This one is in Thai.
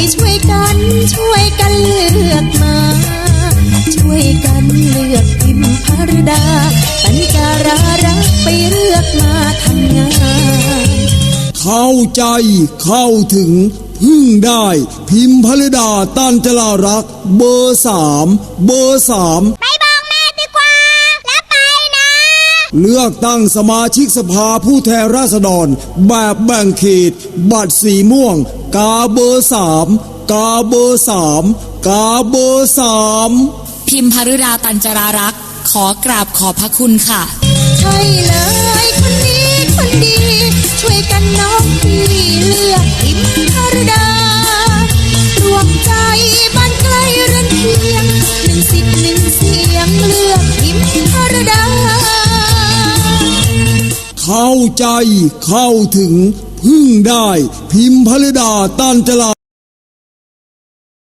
ช่วยกันเลือกมาช่วยกันเลือกพิมพารดาปัญจารารักไปเลือกมาทำงานเข้าใจเข้าถึงพึ่งได้พิมพารดาตันจรารักเบอร์3 ไปบอกแม่ดีกว่าแล้วไปนะเลือกตั้งสมาชิกสภาผู้แทนราษฎรแบบแบ่งเขตบัตรสีม่วงกาเบอร์3กาเบอร์3กาเบอร์3 พิมพารดาตันจรารักขอกราบขอบพระคุณค่ะใช่เลยคนนี้คนดีช่วยกันน้องพี่เลือกพิมพารดารวมใจบ้านใกล้เรือนเคียง1 สิทธิ์1 เสียงเลือกพิมพารดาเข้าใจเข้าถึงพึ่งได้พิมพารดาตันจรา